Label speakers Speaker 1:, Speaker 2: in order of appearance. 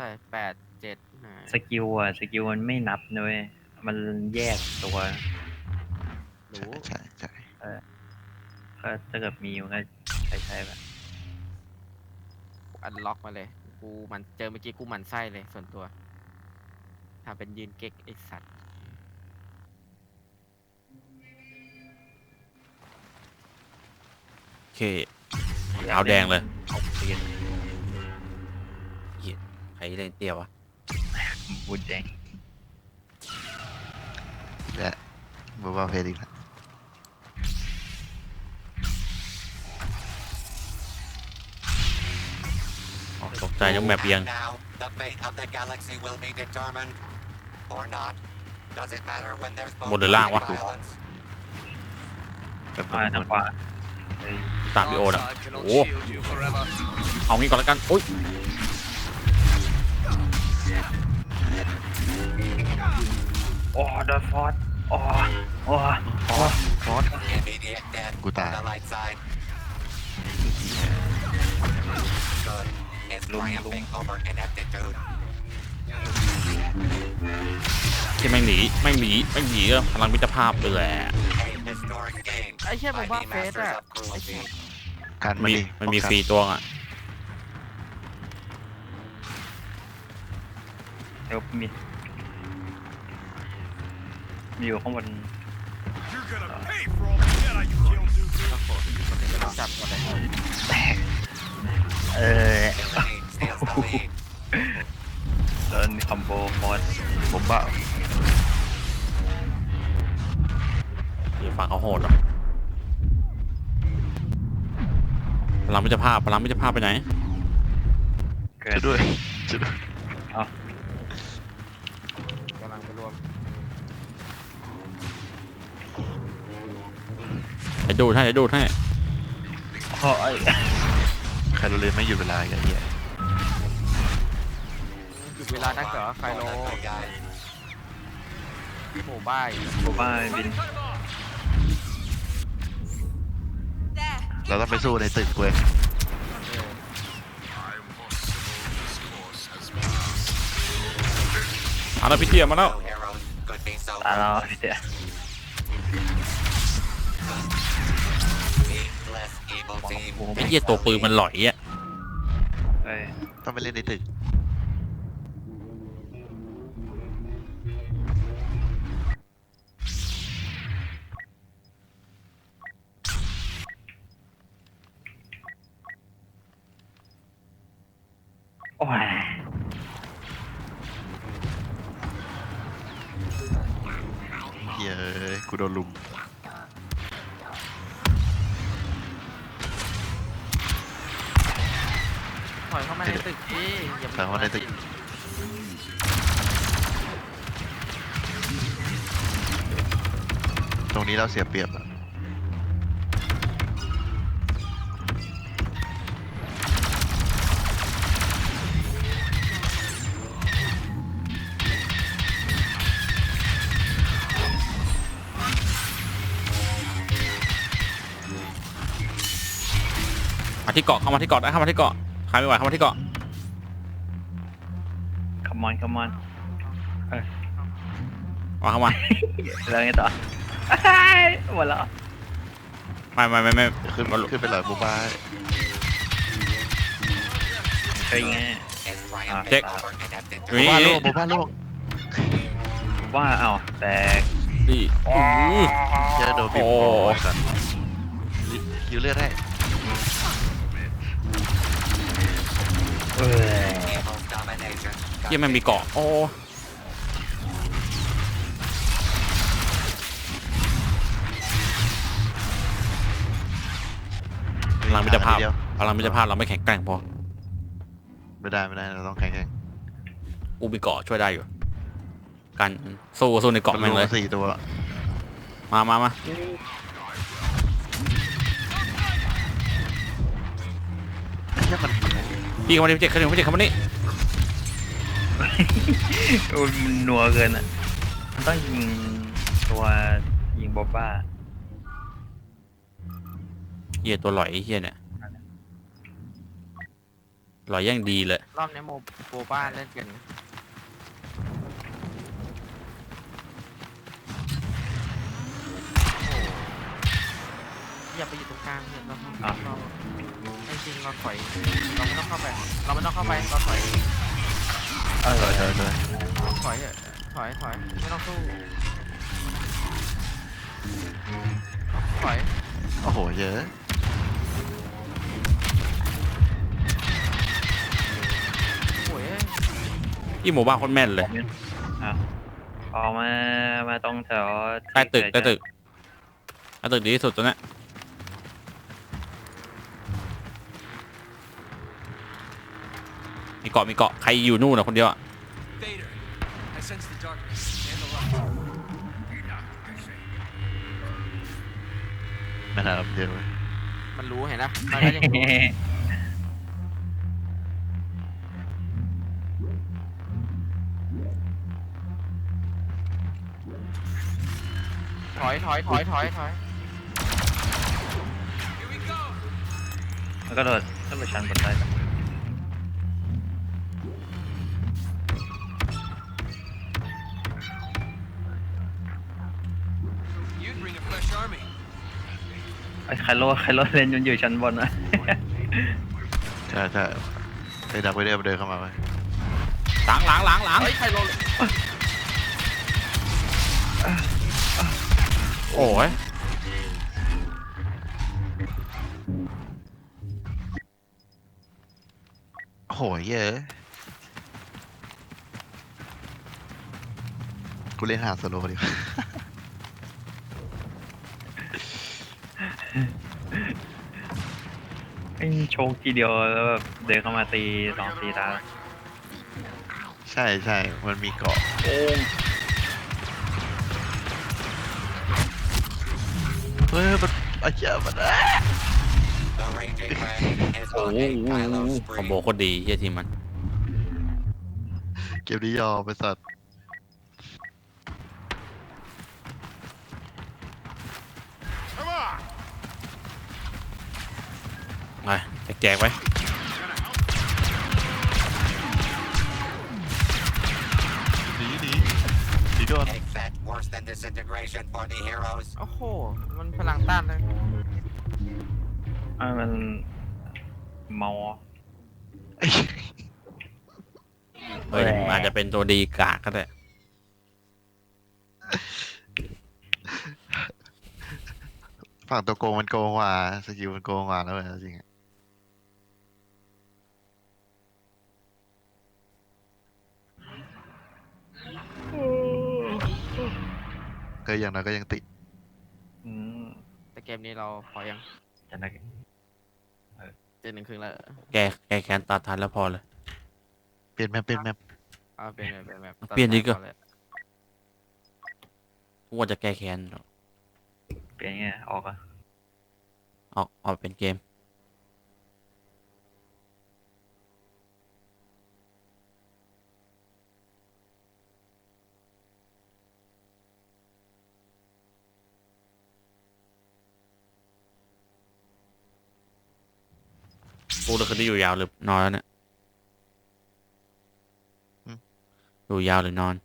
Speaker 1: ร่8 7
Speaker 2: สกิลอะสกิลมันไม่นับเลยมันแยกตัว
Speaker 1: รู้
Speaker 3: ใช่
Speaker 2: ก็ถ้าเกิดมีมันก็ใช้แบบ
Speaker 1: อันล็อกมาเลยกูมันเจอเมื่อกี้กูหมั่นไส้เลยส่วนตัวทำเป็นยืนเก๊กไอสัตว์
Speaker 4: โอเคเอาแดงเลย
Speaker 2: เอาเปลี่ยน
Speaker 4: เหี้ยใครเล่นเตี้ยวะ
Speaker 2: บูดแดง
Speaker 3: และบอกว่าเพลงอีกแล้ว
Speaker 4: อ๋อตกใจยังแมปเอียง
Speaker 5: Now, the fate of the galaxy will be determined, or not. Does it matter when there's both
Speaker 4: บนหรือล่างวะ
Speaker 5: violence?
Speaker 3: แบบ
Speaker 2: ทางขวาเฮ้ย
Speaker 4: ตามพี่โอนะโอ้เอางี้ก่อนแล้วกันอุ้ย
Speaker 2: โอ้ดอฟอร์ดโอ้โอ้โอ้
Speaker 3: คอส
Speaker 5: Immediate death on
Speaker 3: Good eye.
Speaker 5: the light side. Good is triumphing over ineptitude.
Speaker 4: ที่ไม่งหนีก็พลังมิตรภาพเลยแหละ
Speaker 5: A historic gain
Speaker 1: ไอ้เชี่ยผม
Speaker 5: by
Speaker 1: ว่า
Speaker 5: the
Speaker 1: เฟส
Speaker 5: masters
Speaker 1: อะ
Speaker 5: of cruelty.
Speaker 3: การมัน
Speaker 4: มี
Speaker 3: ดิ
Speaker 4: มันมี
Speaker 3: ป้องกั
Speaker 4: ฟรีตัวอ่ะ
Speaker 2: เดี๋ยวมีอยู่ข้างบน
Speaker 6: You're gonna pay for all the Jedi you killed, Dooku.
Speaker 1: จับหมดเลย
Speaker 2: แตกเออ
Speaker 5: Villainy steals the lead.
Speaker 2: โดนคอมโบฟอร์ด
Speaker 3: ผมบ้า
Speaker 4: เดี๋ยวฝั่งเขาโหดเหรอพลังมิตรภาพไปไหน
Speaker 2: เกิ
Speaker 3: ช่วยด้วยช่วยด้วย
Speaker 2: เอา
Speaker 1: กำลังไปรวม
Speaker 4: เดี๋ยวดูดให้
Speaker 2: โอ้ย
Speaker 3: ใครรู้เลยไม่หยุดเวลาอีกไอ้เหี้ย
Speaker 1: หยุดเวลานักเหรอไฟโล
Speaker 5: Good guy.
Speaker 1: โหบ้าย
Speaker 2: โบบ้าบิน
Speaker 3: เราต้องไปสู้ในตึกเว้ย
Speaker 4: เอาแล้วพี่เตี้ยมาแล้ว
Speaker 5: No heroes could be so
Speaker 2: ตาเรา
Speaker 5: ruthless.
Speaker 2: เดี๋ยว
Speaker 5: Less evil team.
Speaker 4: ไอ้เหี้ยตัวปืนมันหลอยอ่ะ
Speaker 2: เอ้ย
Speaker 3: ต้องไปเล่นในตึก
Speaker 2: โอ้ย
Speaker 3: เหี้ยกูโดนลุม
Speaker 1: ถอยเข้ามาในตึกดิอย่า
Speaker 3: ถอยเข้ามาในตึก ตรงนี้เราเสียเปรียบอะ
Speaker 4: มาที่เกาะเข้ามาที่เกาะใครไม่ไหวเข้ามาที่เกาะ
Speaker 2: คัมมอน
Speaker 4: เข้ามา
Speaker 2: แล้วไงต่อหมดแล้ว
Speaker 4: ไม่
Speaker 3: ขึ้นไปหลอยบูบ้า
Speaker 2: เฮ้ยไง
Speaker 5: Is triumphing
Speaker 4: Check.
Speaker 5: over ineptitude.
Speaker 3: บูบ้าโลกบูบ้าโลก
Speaker 2: ว่าเอ้าแตก
Speaker 4: นี่
Speaker 3: เจอโดนบีบ
Speaker 4: โอ้
Speaker 3: คอก่อนคิวเลือดให้
Speaker 2: เออ
Speaker 5: Evil's domination.
Speaker 4: เหี้ยมันมีเกาะโอ้พลังมิตรภาพเราไม่แข็งแกร่งพอ
Speaker 3: ไม่ได้เราต้องแข่ง
Speaker 4: อูมีเกาะช่วยได้อยู่กันสู้ในเกาะแม่งเลย
Speaker 3: 4 ตัว
Speaker 4: มา
Speaker 3: แค่มัน
Speaker 4: พี่เข้ามาดิพี่เจ็ดเข้ามานี่
Speaker 2: มันนัวเกินอ่ะมันต้องยิงตัวยิงโบบ้า
Speaker 4: เหี้ยตัวหลอยไอ้เหี้ยเนี่ยหล่อยแย่งดีเลย
Speaker 1: รอบนี้โมบ้าเล่นกันอย่าไปอยู่ตรงกลางเนี่ยเราไม่จริงเราถอยเราไม่ต้องเข้าไปเราถอย
Speaker 2: เออ
Speaker 3: เธอ
Speaker 1: ถอยเถอะถอยไม่ต้องสู้ถอย
Speaker 3: โอ้โหเยอะ
Speaker 1: โอ้ย
Speaker 4: พี่หมู่บ้านโคนแม่นเลย
Speaker 2: ออกมาตรงแถว
Speaker 4: ใต้ตึกดีที่สุดตัวเนี้ยมีเกาะใครอยู่นู่นนะคนเดียวอะ
Speaker 6: Vader, I sense the darkness and the light.
Speaker 3: ไม่น่ารับเยอะเลย
Speaker 1: มันรู้เห็นนะมันก็ยังรู้ถอย
Speaker 6: Here we go.
Speaker 2: แล้วก็โดดขึ้นไปชั้นบนได้
Speaker 6: You'd bring a fresh army.
Speaker 2: ไอ้ไคโลเลนอยู่ชั้นบนนะ
Speaker 3: ใช่ไอ้ดักไปเดินเข้ามาไว้
Speaker 4: หลัง
Speaker 1: เฮ้ยใครลง
Speaker 4: โอ้ย
Speaker 3: โอ้โหเยอะกูเล่นหาโซโล่ดีกว่า
Speaker 2: ไอ้โชคทีเดียวแล้วแบบเดินเข้ามาตี2-4 ตา
Speaker 3: ใช่มันมีเกาะ
Speaker 2: โอ้ง
Speaker 3: เฮ้ยมันไอ้เหี้ยมัน
Speaker 5: The raging red is
Speaker 4: โอ้
Speaker 5: on
Speaker 4: โห
Speaker 5: a Kylo
Speaker 4: คอมโบ
Speaker 5: spree.
Speaker 4: โคตรดีเฮียทีมมัน
Speaker 3: เกมนี้ยอมไปสัตว์
Speaker 6: Come on.
Speaker 4: ไปแจกไว้
Speaker 3: หนีโดน
Speaker 5: Take that worse than disintegration for the heroes.
Speaker 1: โอ้โหมันพลังต้านเลย
Speaker 2: มันเมา
Speaker 4: เฮ้ยมันอาจจะเป็นตัวดีกากก็ได้
Speaker 3: ฝั่งตัวโกงมันโกงกว่าสกิลมันโกงกว่าแล้วจริงๆก็อย่างน้อยก็ยังติด
Speaker 2: อืม
Speaker 1: แต่เกมนี้เราพอยัง
Speaker 2: จะนัก
Speaker 1: 7-1 ครึ่งแล้ว
Speaker 4: แกแคนตัดทันแล้วพอเลย
Speaker 3: เปลี่ยนแมป
Speaker 1: เอาเป็นแบบ
Speaker 4: เปลี่ยนดีกว่า
Speaker 1: ตัดสายพอเลย
Speaker 4: กูว่าจะแก้แค้น
Speaker 2: เปลี่ยนไงออกอ่ะ
Speaker 4: ออกเป็นเกมกูเลยคืนนี้อยู่ยาวหรือนอนแล้วเนี่ยอยู่ยาวหรือนอน